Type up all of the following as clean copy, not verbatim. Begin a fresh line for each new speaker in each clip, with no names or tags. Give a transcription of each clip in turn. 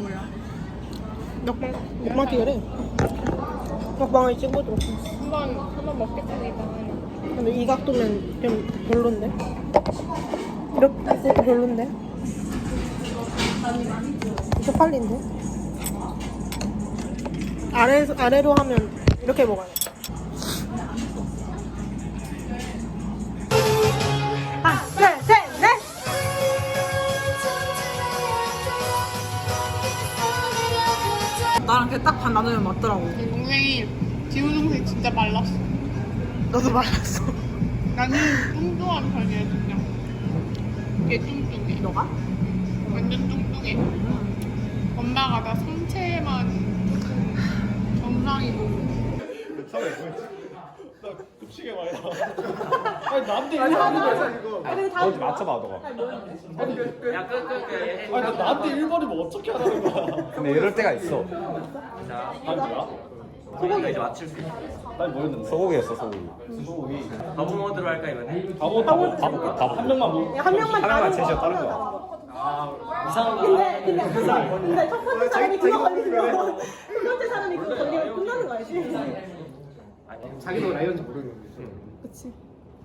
뭐야?
먹방 찍으래. 먹방을 찍어줘.
한번 먹겠습니다.
근데 이 각도면 좀 별론데? 이렇게 별론데? 이거 빨린데? 아래로 하면 이렇게 먹어야 돼. 하나, 둘, 셋, 넷! 나랑 걔 딱 반 나누면 맞더라고.
내 동생이 지우 동생 진짜 말랐어.
너도 말랐어.
나는 뚱뚱한 편이야 진짜. 걔 뚱뚱해.
너가?
완전 뚱뚱해. 엄마가 나 상체만 정상이고.
나 급식에 많이 나와. 아니 나한테 일본이면 이거.
어디 맞춰봐 너가.
아니 나 나한테 일본이면 어떻게 하라는 거야?
근데 이럴 때가 있어.
아니 뭐야?
소고기가 이제 맞출 수 있어.
아니 뭐였는데?
소고기였어 소고기.
소고기.
바보 모드로 할까 이번에?
바보 한 명만 뭐?
한 명만
하나만
다른
제시어
거,
다른
하나
거야.
다른 거.
이상한 거.
근데 첫 번째 사람이 그거 걸리면 두 번째 사람이 그거 걸리면 끝나는 거 알지?
자기도 라이언인지 모르는 거지.
그치.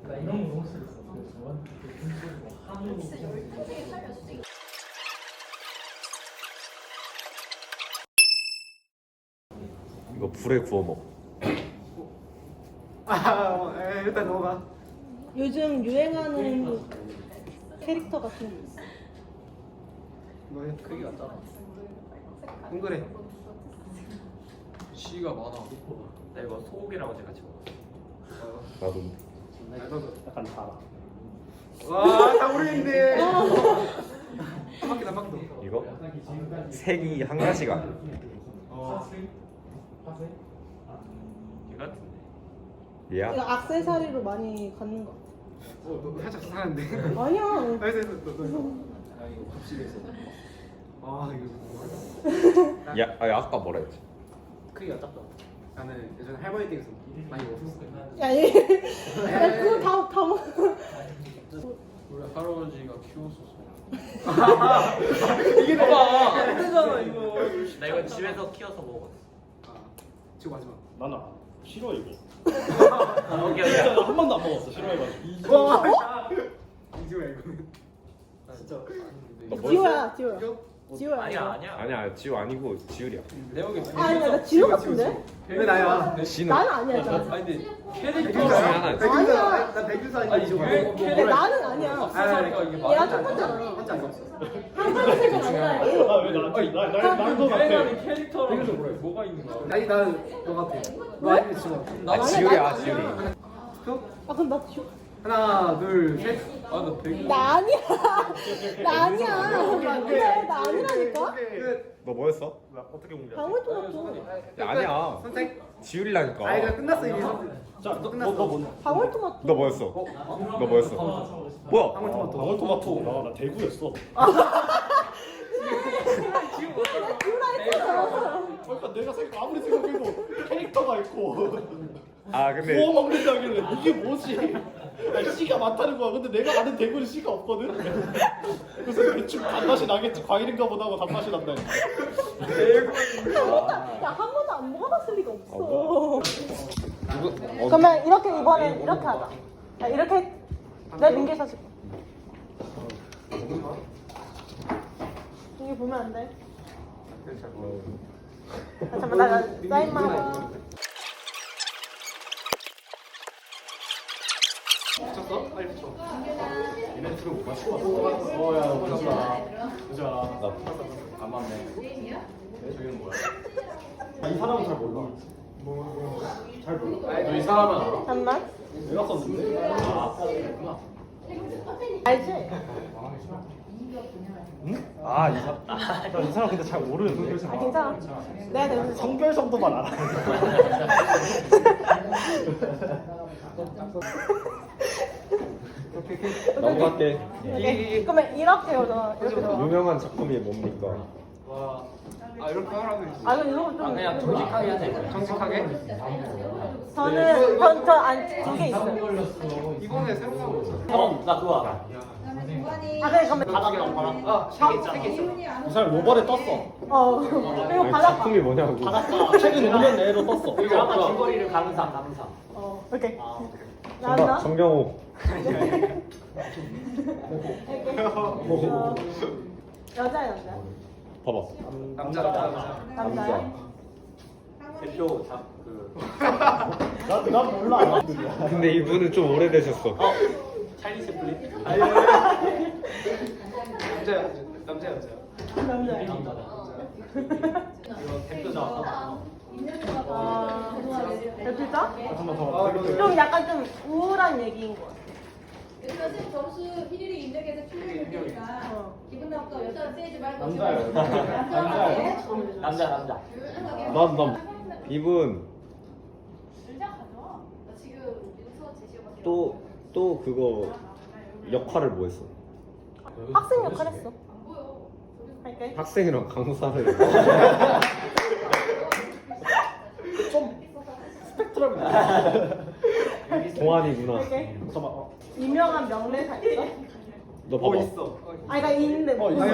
이거 불에 구워 먹어.
일단 넘어가.
요즘 유행하는 캐릭터 같은 거 있어.
너의 크기 같잖아. 동그래. 시가 많아.
나 이거 소고기랑 어제 같이 먹었어.
나도.
약간 달아. 와, 다 모르겠네. 한 바퀴 한 바퀴 더.
이거 색이 한 가지가.
이거 같은데.
얘야.
이거 액세서리로 많이 갖는 거 같아.
너 살짝 사는데.
아니야.
알겠어, 너. 아 이거 급식에서. 아 이거.
야, 아니, 아까 뭐라 했지?
크기가 작다. 나는 예전에 할머니 댁에서 많이 먹었어.
야, 야 그거 다 먹어.
원래 할아버지가 키웠었어.
이게 봐봐. 힘들잖아 이거. 나 이거 집에서 키워서 먹었어.
아, 지금 마지막.
나는 싫어 이거.
오케이
진짜
오케이.
한 번도 안 먹었어. 싫어해가지고.
이지호야 이거. 진짜.
너 뭐였어?
지호야. 지호야.
아니야 아니야.
아니야 지우 아니고 지율이야.
내역이
아니야, 나 지호 같은데?
왜 나야?
지는
나는 아니야, 나.
아니 근데
백균사 하나 있어.
아니야.
나 백규사 아니야. 이지호.
근데 나는 아니야. 얘가 첫 번째잖아.
혼자 안 썼어.
한 번째가 아니라 얘.
아왜 나도 같아.
캐릭터랑 뭐가 있는 거야? 아니 나는 너 같아. 너 아니면 지호.
아 지율이야 지율이.
아, 그럼 나 지호.
하나, 둘, 셋. 아나 백.
나 아니야. 나 아니야. 그래, 나 아니라니까?
너 뭐였어?
나 어떻게 공개?
방울토마토.
야, 아니야.
선택.
지율이라니까.
아 이거 끝났어 이미.
자,
너
너 뭔데?
방울토마토.
너 뭐였어? 너 뭐였어? 뭐야?
방울토마토.
방울토마토. 나 대구였어.
지호라 했잖아.
그러니까 내가 아무리 생각해도 캐릭터가 있고
아 근데
구워 먹는다길래 이게 뭐지? 아니, 씨가 많다는 거야. 근데 내가 아는 대구는 씨가 없거든. 그래서 대충 단맛이 나겠지. 과일인가 보다 하고 단맛이 난다니까.
야, 한 번도 안 먹어봤을 리가 없어.
누구?
그러면 이렇게 이번엔 이렇게 하자. 야, 이렇게 내 민기 사실. 여기 보면 안 돼. 아, 잠깐만, 나 사인만 하고.
붙였어? 빨리 붙여.
어야 고맙다. 보자.
안 맞네.
저기는 뭐야? 이 사람은 잘 몰라. 잘 몰라.
너이 사람은 알아?
잠깐만.
내가 썼는데.
알지?
아, 이 사람 근데 잘 모르는데.
아, 괜찮아. 내가 내가
성별 정도만 알아.
넘어갈게.
그러면 이렇게 오자. 이렇게 줘.
유명한 작품이 뭡니까?
와. 아 이렇게 하라고 했지.
아, 그럼 이거 좀.
그냥 정직하게 하자.
정직하게?
저는 두개 있어요.
이번에 새로 나온 거 있어.
형, 나 그거 알아.
아 그래 그러면
바닥이랑 바닥.
세개 있어.
이 사람 로벌에 떴어.
그리고
아니,
바닷가.
작품이 뭐냐고.
바닷가 최근 5년 내로 떴어.
드라마 줄거리를 감사.
오케이.
정답
나왔나?
정경호.
여자야 남자.
봐봐.
남자.
남자야?
대표
난 몰라.
근데 이분은 좀 오래되셨어.
찰리 채플린?
남자야. 남자야.
남자야.
이거 대표자.
대표자?
한번 더.
좀 약간 좀 우울한 얘기인 거 같아.
선생님 점수 1위를 인정해서 출연을 되니까 기분 나쁘고 여자 세지 말고
남자예요.
남자한테
남자.
난 이분
의자 가져와. 나 지금 윤서 제시어가
또 그거 역할을 뭐 했어?
학생 역할 했어.
안 보여.
할게.
학생이랑 강사를.
스펙트럼이.
동안이구나.
할게.
잠깐만.
유명한 명대사 있어?
너 봐봐.
있어.
아 그러니까 있는데 뭐.
있어.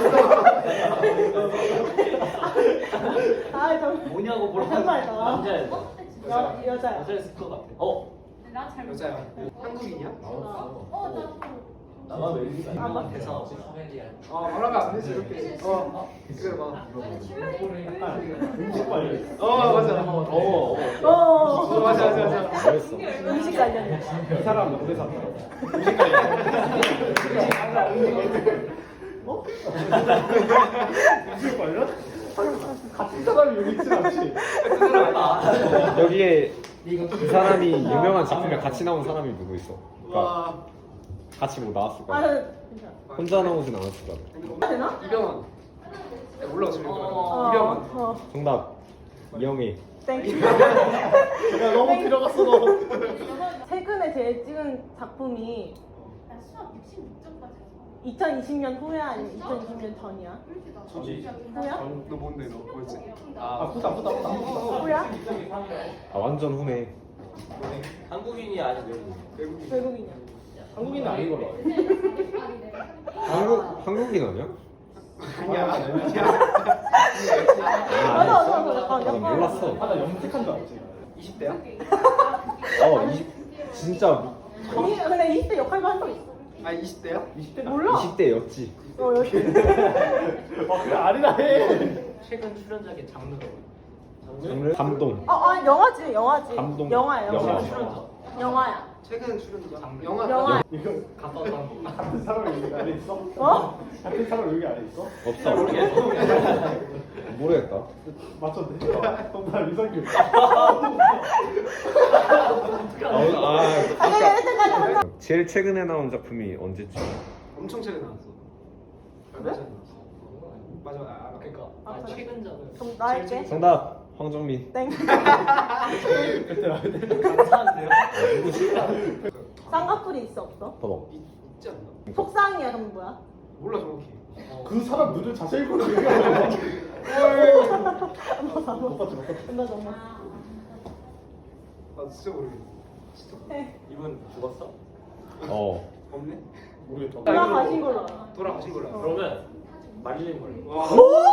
아 좀.
뭐냐고 물어봤는데
정말다.
남자야.
여자야.
여자였을 것 같아.
나잘
여자야. 한국인이야?
나가 왜 이리
아,
대사.
말하면 안 되지 이렇게. 그래 봐.
음식 관련.
맞아. 맞아.
뭐했어?
음식 관련.
이 사람 명대사. 음식 관련? 같은 사람이 여기 있진 않지.
여기에 이 사람이 유명한 작품에 같이 나온 사람이 누구 있어? 그러니까
와.
같이 뭐 나왔을
아
거야.
괜찮아.
혼자 나오진 않았을 거야.
되나?
이병헌. 몰라 지금.
어.
이병헌.
어.
정답 이영애.
땡큐.
야 너무 들어갔어 너.
최근에 제일 찍은 작품이
나 수학 66점까지
2020년 후야 아니면 2020년 전이야? 후야?
너 뭔데 너 뭐였지?
아 후다.
후야?
아 완전 후네.
한국인이 아니고 외국인.
외국인이야.
한국인은 아닌 걸로 알아.
한국인 아니야?
아니야.
맞아.
나 몰랐어.
나 염색한 줄 알았지.
20대야?
진짜
아니 근데 20대 역할도 한 적 있어.
아 20대야?
20대
몰라.
20대였지.
여기.
그래 아니라 해.
최근 출연작의 장르가
장르? 감동.
영화지.
감동.
영화야.
영화.
영화야.
최근 출연자?
영화.
이거
가까웠던 한국.
같은 사람이 여기 안에 있어?
어?
같은 사람 여기 안에 있어?
없어. 모르겠다.
맞췄네. 정말 이성규.
아니 1등까지 한다.
제일 최근에 나온 작품이 언제쯤?
엄청 최근 나왔어. 얼마 전에 나왔어. 맞아. 알아.
그러니까 최근작은
그럼 나 할게.
정답 황정민.
땡.
감사한데요.
쌍꺼풀이 있어 없어?
봐봐.
있지 않나?
속상이야 그럼 뭐야?
몰라 정확히.
그 사람 눈을 자세히 보는 얘기야. 못 봤지.
나 정말.
나 진짜 모르겠어. 진짜
이분 죽었어?
없네.
모르겠다.
돌아가신 걸로 알아.
돌아가신 걸로 알아.
그러면 마릴린 먼로.
와.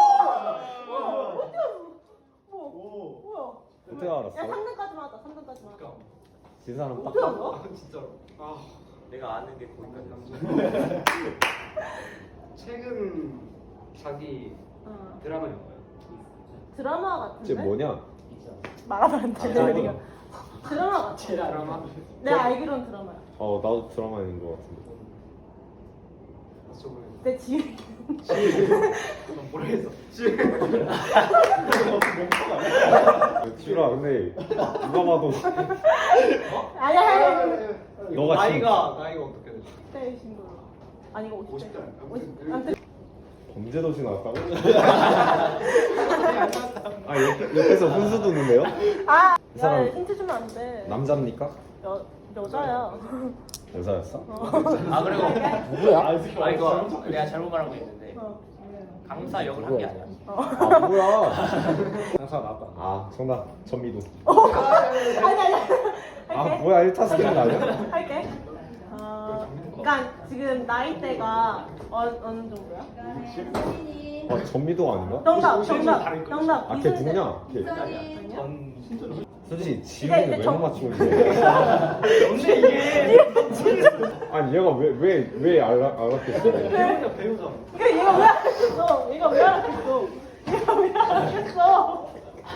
오.
뭐야?
어떻게
야
알았어?
3등까지만 하자. 3등까지만 하자.
진 사람 딱.
어떻게 알아?
아 진짜로. 아
내가 아는 게 거기까지.
최근 자기 드라마였나요?
드라마 같은데?
쟤 뭐냐?
말하면 안 돼.
드라마.
드라마 같아.
드라마?
내가 알기로는 드라마야.
나도 드라마인 것 같은데.
아 저번에.
내 지인.
모르겠어.
슈라 근데 누가 봐도
아니야.
너가
나이가 어떻게 되지?
10대이신 걸로. 아니 이거 50대.
50대.
아무튼
범죄도시 나왔다고? 옆에서 훈수 두는데요?
아,
이 사람-
야, 힌트 주면 안 돼.
남자입니까?
여자야.
여자였어?
아 그리고
누구야?
아 이거 내가 잘못 말한 거 있는데
어.
강사 역을 한 게 아니야.
아 뭐야?
장사 나왔다.
아 정답 전미도.
아니.
아
할게.
뭐야 1타 스킬 아니야?
할게. 그러니까 지금 나이대가 어느 정도야?
혜진이,
전미도 아닌가?
정답.
걔 누구냐? 걔.
이선희,
솔직히 지훈이
이제
왜
정-
못 맞추고 있는데?
근데 이게
아니 얘가 왜 알았겠어?
배우자 배우자.
그러니까 얘가 왜 알았겠어? 얘가 왜 알았겠어?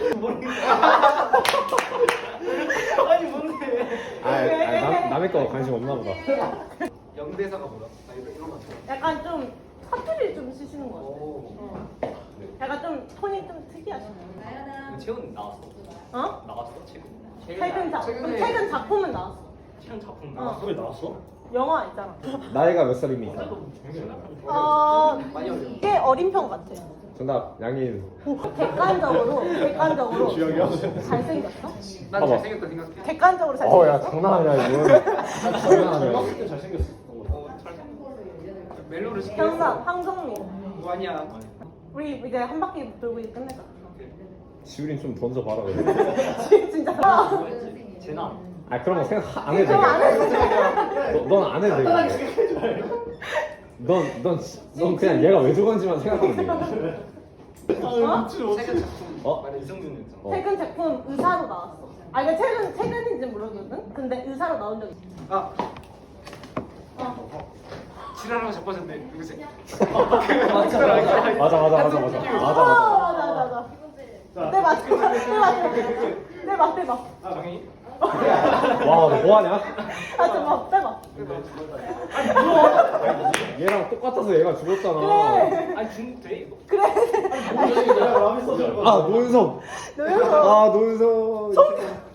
아니 뭔데?
남의 거 관심 없나 보다.
영대사가 뭐야? 아 이런 거.
약간 좀 사투리 좀 쓰시는 것 같아.
오.
약간 좀 톤이 좀 특이하시네.
나연아,
최근 나왔어.
어?
나왔어 최근.
최근 작품은 나왔어.
최근 작품
어.
왜 나왔어?
영화 있잖아.
나이가 몇 살입니까?
꽤 어린 편 같아.
정답 양인.
객관적으로
주영이야?
잘생겼어?
난
봐봐.
잘생겼다 생각해.
객관적으로
야
잘생겼어?
장난 아니야 이건. 장난 아니야.
중학생 때 잘생겼어.
멜로를
정답 황정민.
뭐 아니야.
우리 이제 한 바퀴 돌고 이제 끝내자.
지훈이 좀 던져봐라 그래.
진짜.
제나.
아 그런 거 생각 안 해도
그럼 안 해도
돼. 넌 안 해도 돼. 넌 그냥 얘가 왜 죽었는지만 생각하면 돼.
아 미친 어떻게?
어?
이성준 했잖아.
최근 작품 의사로 나왔어. 아 이거 최근인지 모르거든. 근데 의사로 나온 적 있어.
아
어.
지랄하고 자빠졌네. 누구지?
맞아.
맞아. 빼봐.
아 정희.
와, 너 뭐하냐?
아, 빼봐.
얘랑 똑같아서 얘가 죽었잖아.
그래.
아니 돼 이거.
그래.
내가 라면 써줘.
아, 노은석.
노현석.
아, 노은석.